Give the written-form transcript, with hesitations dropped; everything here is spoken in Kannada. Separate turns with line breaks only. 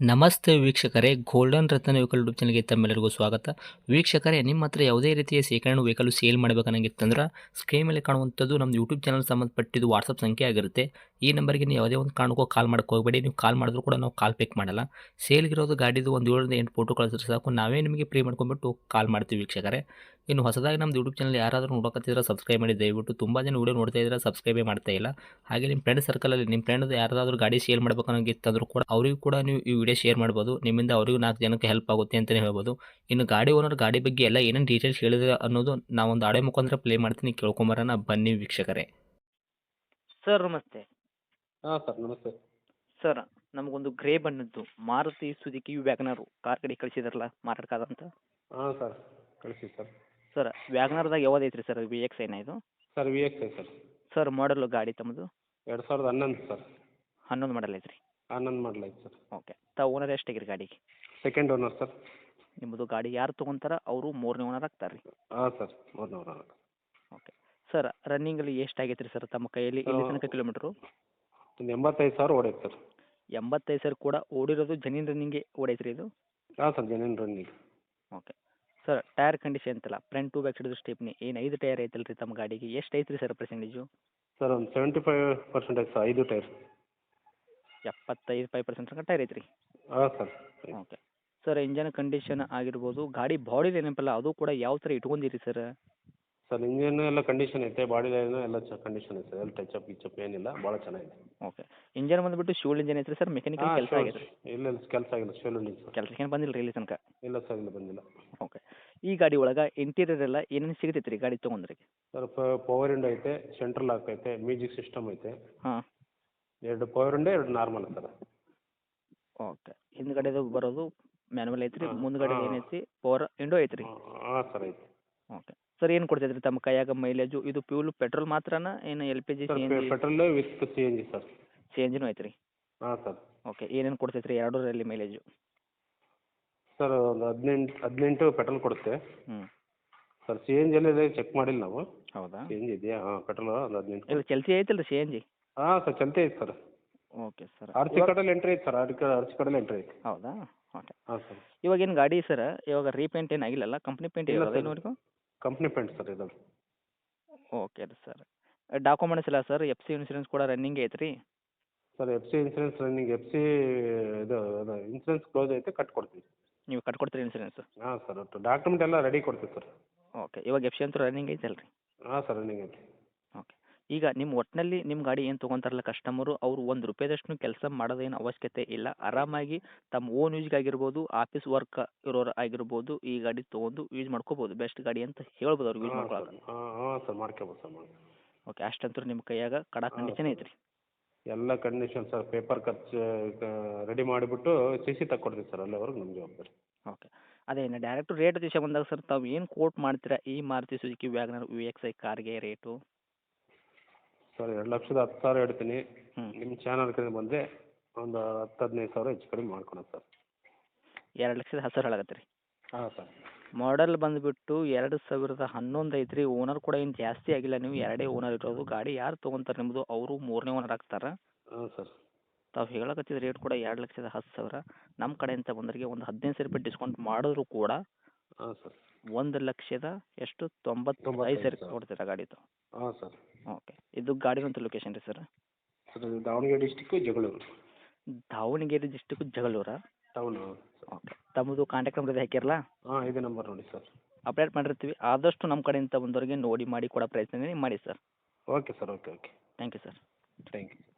ನಮಸ್ತೆ ವೀಕ್ಷಕರೇ, ಗೋಲ್ಡನ್ ರತ್ನ ವೆಹಿಕಲ್ ಯೂಟ್ಯೂಬ್ ಚಾನಲ್ಗೆ ತಮ್ಮೆಲ್ಲರಿಗೂ ಸ್ವಾಗತ. ವೀಕ್ಷಕರೇ, ನಿಮ್ಮ ಹತ್ರ ಯಾವುದೇ ರೀತಿಯ ಶೇಖರಣೆ ವೆಹಿಕಲ್ ಸೇಲ್ ಮಾಡಬೇಕನ್ನಂಗಿತ್ತಂದ್ರೆ ಸ್ಕ್ರೀನ್ ಮೇಲೆ ಕಾಣುವಂಥದ್ದು ನಮ್ಮ ಯೂಟ್ಯೂಬ್ ಚಾನಲ್ ಸಂಬಂಧಪಟ್ಟಿದ್ದು ವಾಟ್ಸಪ್ ಸಂಖ್ಯೆ ಆಗಿರುತ್ತೆ. ಈ ನಂಬರ್ಗೆ ನೀವು ಯಾವುದೇ ಒಂದು ಕಾರಣಕ್ಕೂ ಕಾಲ್ ಮಾಡಕ್ಕೆ ಹೋಗಬೇಡಿ. ನೀವು ಕಾಲ್ ಮಾಡಿದ್ರು ಕೂಡ ನಾವು ಕಾಲ್ ಪಿಕ್ ಮಾಡಲ್ಲ. ಸೇಲ್ಗಿರೋದು ಗಾಡಿದು ಒಂದು 7ರಿಂದ 8 ಫೋಟೋ ಕಳಿಸಿದ್ರೆ ಸಾಕು, ನಾವೇ ನಿಮಗೆ ಪ್ರೀ ಮಾಡ್ಕೊಂಡ್ಬಿಟ್ಟು ಕಾಲ್ ಮಾಡ್ತೀವಿ ವೀಕ್ಷಕರೇ. ಇನ್ನು ಹೊಸದಾಗಿ ನಮ್ಮದು ಯೂಟ್ಯೂಬ್ ಚಾನಲ್ ಯಾರಾದರೂ ನೋಡೋಕತ್ತಿದ್ರೆ ಸಬ್ಸ್ಕ್ರೈಬ್ ಮಾಡಿ ದಯವಿಟ್ಟು. ತುಂಬ ಜನ ವೀಡಿಯೋ ನೋಡ್ತಾ ಇದ್ದಾರೆ, ಸಬ್ಸ್ಕ್ರೈಬೇ ಮಾಡ್ತಾ ಇಲ್ಲ. ಹಾಗೆ ನಿಮ್ಮ ಫ್ರೆಂಡ್ ಸರ್ಕಲಲ್ಲಿ ನಿಮ್ಮ ಫ್ರೆಂಡ್ ಯಾರಾದರೂ ಗಾಡಿ ಸೇಲ್ ಮಾಡಬೇಕನ್ನೋಂಗಿತ್ತಂದ್ರೂ ಕೂಡ ಅವರಿಗೂ ಕೂಡ ನೀವು ಈ ವಿಡಿಯೋ ಶೇರ್ ಮಾಡ್ಬೋದು. ನಿಮ್ಮಿಂದ ಅವರಿಗೂ 4 ಜನಕ್ಕೆ ಹೆಲ್ಪ್ ಆಗುತ್ತೆ ಅಂತಲೇ ಹೇಳ್ಬೋದು. ಇನ್ನು ಗಾಡಿ ಓನರ್ ಗಾಡಿ ಬಗ್ಗೆ ಎಲ್ಲ ಏನೇನು ಡೀಟೇಲ್ಸ್ ಹೇಳಿದ್ರೆ ಅನ್ನೋದು ನಾವೊಂದು ಆಡಿಯೋ ಮುಖಾಂತರ ಪ್ಲೇ ಮಾಡ್ತೀನಿ, ಕೇಳ್ಕೊಂಬರೋಣ ಬನ್ನಿ ವೀಕ್ಷಕರೇ.
ಸರ್ ನಮಸ್ತೆ.
ಹಾಂ ಸರ್ ನಮಸ್ತೆ.
ಸರ್ ನಮಗೊಂದು ಗ್ರೇ ಬಣ್ಣದ್ದು ಮಾರುತಿ ಸುಜುಕಿ ವ್ಯಾಗನರು ಕಾರ್ ಕಡೆ ಕಳಿಸಿದ್ರಲ್ಲ ಮಾರಾಟಕ್ಕಾದಂತ.
ಹಾಂ ಸರ್ ಕಳಿಸಿ ಸರ್.
ಸರ್ ವ್ಯಾಗನರ್ದಾಗ ಯಾವ್ದು ಐತ್ರಿ ಸರ್, ವಿ ಎಕ್ಸ್ ಐನ ಇದು?
Sir V X I sir.
Sir ಮಾಡಲು ಗಾಡಿ ತಮ್ಮದು
2011 ಸರ್.
11 ಮಾಡಲ್ ಐತ್ರಿ.
11 ಮಾಡಲ್ ಐತೆ ಸರ್.
ಓಕೆ. ತಾವು ಓನರ್ ಎಷ್ಟಾಗಿರಿ ಗಾಡಿಗೆ?
Second owner sir.
ನಿಮ್ಮದು ಗಾಡಿ ಯಾರು ತೊಗೊಂತಾರ ಅವರು 3ನೇ ಓನರ್ ಆಗ್ತಾರೆ ರೀ?
ಹಾಂ ಸರ್ 3ನೇ ಓನರ್.
ಓಕೆ. ಸರ್ ರನ್ನಿಂಗಲ್ಲಿ ಎಷ್ಟಾಗೈತೆ ರೀ ಸರ್ ತಮ್ಮ ಕೈಯಲ್ಲಿ ಇಲ್ಲಿ ತನಕ ಕಿಲೋಮೀಟ್ರು?
ಒಂದು 85,000 ಓಡೈತೆ ಸರ್.
85 ಸರ್ ಕೂಡ ಓಡಿರೋದು ಜನಿನ್ ರನ್ನಿಂಗ್ಗೆ ಓಡೈತ್ರಿ ಇದು?
ಹಾಂ sir genuine running.
Okay. Sir tyre condition ಅಂತಲ್ಲ, front to back side stepney ಏನು 5 ಟೈರ್ ಐತಲ್ಲ ರೀ ತಮ್ಮ ಗಾಡಿಗೆ, ಎಷ್ಟು ಐತ್ರಿ ಸರ್ ಪರ್ಸೆಂಟೇಜು?
ಸರ್ ಒಂದು 75% ಐತೆ ಸರ್, 5 ಟೈರ್.
75% ತನಕ ಟೈರ್ ಐತ್ರಿ?
ಹಾಂ sir.
Okay. Sir engine condition ಆಗಿರ್ಬೋದು, ಗಾಡಿ ಬಾಡಿ ಏನಪ್ಪಲ್ಲ ಅದು ಕೂಡ ಯಾವ ಥರ ಇಟ್ಕೊಂಡಿರಿ ಸರ್?
ಸರ್ ಇಂಜಿನ್ ಎಲ್ಲ ಕಂಡೀಷನ್ ಐತೆ, ಬಾಡಿ ಲೈನು ಎಲ್ಲ ಕಂಡೀಷನ್ ಐತೆ, ಎಲ್ಲ ಟಚಪ್ ಗಿಚಪ್ ಏನಿಲ್ಲ, ಭಾಳ ಚೆನ್ನಾಗಿದೆ.
ಓಕೆ. ಇಂಜನ್ ಬಂದುಬಿಟ್ಟು ಶೂಲ್ ಇಂಜನ್ ಐತ್ರಿ ಸರ್, ಮೆಕ್ಯಾನಿಕಲ್ ಕೆಲಸ ಆಗಿದೆ?
ಇಲ್ಲ ಇಲ್ಲ ಕೆಲಸ ಆಗಿಲ್ಲ, ಶೂಲ್ ಇಂಜಿನ್ ಸರ್.
ಕೆಲಸಕ್ಕೆ ಏನು ಬಂದಿಲ್ಲ ರೀ ಇಲ್ಲಿ ತನಕ?
ಇಲ್ಲ ಸರ್ ಇಲ್ಲ ಬಂದಿಲ್ಲ.
ಓಕೆ. ಈ ಗಾಡಿ ಒಳಗೆ ಇಂಟೀರಿಯರ್ ಎಲ್ಲ ಏನೇನು ಸಿಗ್ತೈತೆ ರೀ ಗಾಡಿ ತೊಗೊಂಡ್ರೆ?
ಸರ್ ಪವರ್ ವಿಂಡೋ ಐತೆ, ಸೆಂಟ್ರಲ್ ಲಾಕ್ ಐತೆ, ಮ್ಯೂಸಿಕ್ ಸಿಸ್ಟಮ್ ಐತೆ.
ಹಾಂ.
2 ಪವರ್ ವಿಂಡೋ 2 ನಾರ್ಮಲ್ ಸರ್.
ಓಕೆ. ಹಿಂದ್ಗಡೆದು ಬರೋದು ಮ್ಯಾನುವಲ್ ಐತ್ರಿ,
ಹಾಂ,
ಮುಂದ್ಗಡೆ
ಹಾಂ.
ಏನೈತಿ ಪವರ್ ವಿಂಡೋ ಐತ್ರಿ?
ಹಾಂ ಸರ್ ಐತೆ.
ಓಕೆ. ಸರ್ ಏನು ಕೊಡ್ತೈತೆ ರೀ ತಮ್ಮ ಕೈಯಾಗ ಮೈಲೇಜು? ಇದು ಪ್ಯೂಲ್ ಪೆಟ್ರೋಲ್ ಮಾತ್ರನಾ ಏನು L P G,
sir
C N G?
Petrol with C N G sir.
C N ಜಿನೂ ಐತ್ರಿ?
ಹಾಂ ಸರ್.
ಓಕೆ. ಏನೇನು ಕೊಡ್ತೈತೆ ರೀ ಎರಡರಲ್ಲಿ ಮೈಲೇಜು?
ಸರ್ ಒಂದು 18 ಪೆಟ್ರೋಲ್ ಕೊಡುತ್ತೆ.
ಹ್ಞೂ.
ಸರ್ ಸಿ ಎನ್ ಜಿಯಲ್ಲಿ ಚೆಕ್ ಮಾಡಿಲ್ಲ ನಾವು.
ಹೌದಾ?
ಸಿ ಎನ್ ಜಿ ಇದೆಯಾ? ಹಾಂ ಪೆಟ್ರೋಲ್ ಒಂದು 18.
ಇಲ್ಲ ಚಲ್ತಿ ಐತಲ್ಲ ರೀ ಸಿ ಎನ್ ಜಿ?
ಹಾಂ ಸರ್ ಚಲ್ತಿ ಐತೆ sir.
Okay sir.
R C ಕಾರ್ಡಲ್ಲಿ ಎಂಟ್ರಿ ಐತೆ ಸರ್, ಆರ್ ಸಿ ಕಾರ್ಡಲ್ಲಿ ಎಂಟ್ರಿ ಐತೆ.
ಹೌದಾ? ಓಕೆ.
ಹಾಂ ಸರ್.
ಇವಾಗ ಏನು ಗಾಡಿ ಸರ್ ಇವಾಗ ರೀಪೇಂಟ್ ಏನು ಆಗಿಲ್ಲಲ್ಲ, ಕಂಪ್ನಿ ಪೇಂಟ್
ಇಲ್ಲ
ಇರೋದು
ಸರ್.
ಇನ್ನೂವರೆಗೂ?
ಕಂಪ್ನಿ ಪೇಂಟ್ ಸರ್ ಇದು.
ಓಕೆ ರೀ ಸರ್. ಡಾಕ್ಯುಮೆಂಟ್ಸ್ ಇಲ್ಲ ಸರ್, ಎಫ್ ಸಿ ಇನ್ಸೂರೆನ್ಸ್ ಕೂಡ ರನ್ನಿಂಗ್ ಐತ್ರಿ?
Sir F C insurance running, F C ಇದು ಇನ್ಸೂರೆನ್ಸ್ ಕ್ಲೋಸ್ ಐತೆ, ಕಟ್ಕೊಡ್ತೀವಿ.
ನೀವು ಕಟ್ಕೊಡ್ತೀರಿ ಇನ್ಸೂರೆನ್ಸ್?
ಹಾಂ ಸರ್ ಒಟ್ಟು ಡಾಕ್ಯುಮೆಂಟ್ ಎಲ್ಲ ರೆಡಿ ಕೊಡ್ತೀವಿ ಸರ್.
ಓಕೆ. ಇವಾಗ ಎಫ್ ಸಿ ಅಂತೂ ರನ್ನಿಂಗ್ ಐತಲ್ಲ ರೀ?
ಹಾಂ ಸರ್ ರನ್ನಿಂಗ್ ಐತೆ.
ಓಕೆ. ಈಗ ನಿಮ್ಮ ಒಟ್ಟಿನಲ್ಲಿ ನಿಮ್ಮ ಗಾಡಿ ಏನು ತೊಗೊಂತಾರಲ್ಲ ಕಸ್ಟಮರು, ಅವರು ₹1 ಕೆಲಸ ಮಾಡೋದೇನು ಅವಶ್ಯಕತೆ ಇಲ್ಲ. ಆರಾಮಾಗಿ ತಮ್ಮ ಓನ್ ಯೂಸ್ಗಾಗಿರ್ಬೋದು, ಆಫೀಸ್ ವರ್ಕ್ ಇರೋರು ಆಗಿರ್ಬೋದು, ಈ ಗಾಡಿ ತೊಗೊಂಡು ಯೂಸ್ ಮಾಡ್ಕೋಬೋದು. ಬೆಸ್ಟ್ ಗಾಡಿ ಅಂತ ಹೇಳ್ಬೋದು ಅವ್ರಿಗೆ ಯೂಸ್
ಹಾಂ ಸರ್.
ಮಾಡ್ಕೊಳ್ಳೋಕೆ.
ಹಾಂ ಸರ್ ಮಾಡ್ಕೋಬೋದು ಸರ್
ಓಕೆ. ಅಷ್ಟಂತೂ ನಿಮ್ಮ ಕೈಯಾಗ ಕಡಾ ಕಂಡೀಷನ್ ಐತ್ರಿ?
ಎಲ್ಲ ಕಂಡೀಷನ್ ಸರ್. ಪೇಪರ್ ಖರ್ಚು ರೆಡಿ ಮಾಡಿಬಿಟ್ಟು ಸಿ ಸಿ ತಗೊಡ್ತೀವಿ ಸರ್, ಅಲ್ಲಿವರೆಗೂ ನಮ್ಮ ಜವಾಬ್ದಾರಿ.
ಓಕೆ. ಅದೇ ಇನ್ನು ಡೈರೆಕ್ಟ್ ರೇಟ್ ವಿಷಯ ಬಂದಾಗ ಸರ್, ತಾವು ಏನು ಕೋಟ್ ಮಾಡ್ತೀರಾ ಈ Maruti Suzuki WagonR V X I ಕಾರ್ಗೆ ರೇಟು?
ಸರ್ 2,10,000 ಹೇಳ್ತೀನಿ.
ಹ್ಞೂ.
ನಿಮ್ಮ ಚಾನಲ್ ಕಡೆ ಬಂದರೆ ಒಂದು 10-15 ಸಾವಿರ ಹೆಚ್ಚು ಕಡಿಮೆ ಮಾಡ್ಕೊಳೋಣ ಸರ್.
2,10,000 ಹೇಳಕತ್ತೀರಿ ರೀ?
ಹಾಂ ಸರ್.
ಮಾಡೆಲ್ ಬಂದುಬಿಟ್ಟು 2011 ಐತ್ರಿ. ಓನರ್ ಕೂಡ ಏನು ಜಾಸ್ತಿ ಆಗಿಲ್ಲ, ನೀವು ಎರಡೇ ಓನರ್ ಇರೋದು. ಗಾಡಿ ಯಾರು ತೊಗೊಂತಾರೆ ನಿಮ್ಮದು, ಅವರು 3ನೇ ಓನರ್ ಆಗ್ತಾರೆ.
ಹಾಂ ಸರ್.
ತಾವು ಹೇಳಕತ್ತಿದ ರೇಟ್ ಕೂಡ 2,10,000. ನಮ್ಮ ಕಡೆಯಿಂದ ಬಂದವರಿಗೆ ಒಂದು ₹15,000 ಡಿಸ್ಕೌಂಟ್ ಮಾಡಿದ್ರು ಕೂಡ
ಹಾಂ ಸರ್.
1,95,000 ಕೊಡ್ತೀರಾ ಗಾಡಿದು?
ಹಾಂ ಸರ್.
ಓಕೆ. ಇದು ಗಾಡಿನಂತ ಲೊಕೇಶನ್ ರೀ sir?
Sir Davanagere district Jagalur.
Davanagere district ಜಗಳೂರಾ?
ಟೌನು.
ಓಕೆ. ತಮ್ಮದು ಕಾಂಟ್ಯಾಕ್ಟ್ ನಂಬರ್ ಇದು ಹಾಕಿರಲ್ಲ?
ಹಾಂ ಇದೇ ನಂಬರ್ ನೋಡಿ ಸರ್.
ಅಪ್ಡೇಟ್ ಮಾಡಿರ್ತೀವಿ. ಆದಷ್ಟು ನಮ್ಮ ಕಡೆಯಿಂದ ಬಂದವರಿಗೆ ನೋಡಿ ಮಾಡಿ ಕೊಡೋ ಪ್ರಯತ್ನ ಮಾಡಿ sir.
Okay sir. Okay okay.
Thank you sir.
Thank you.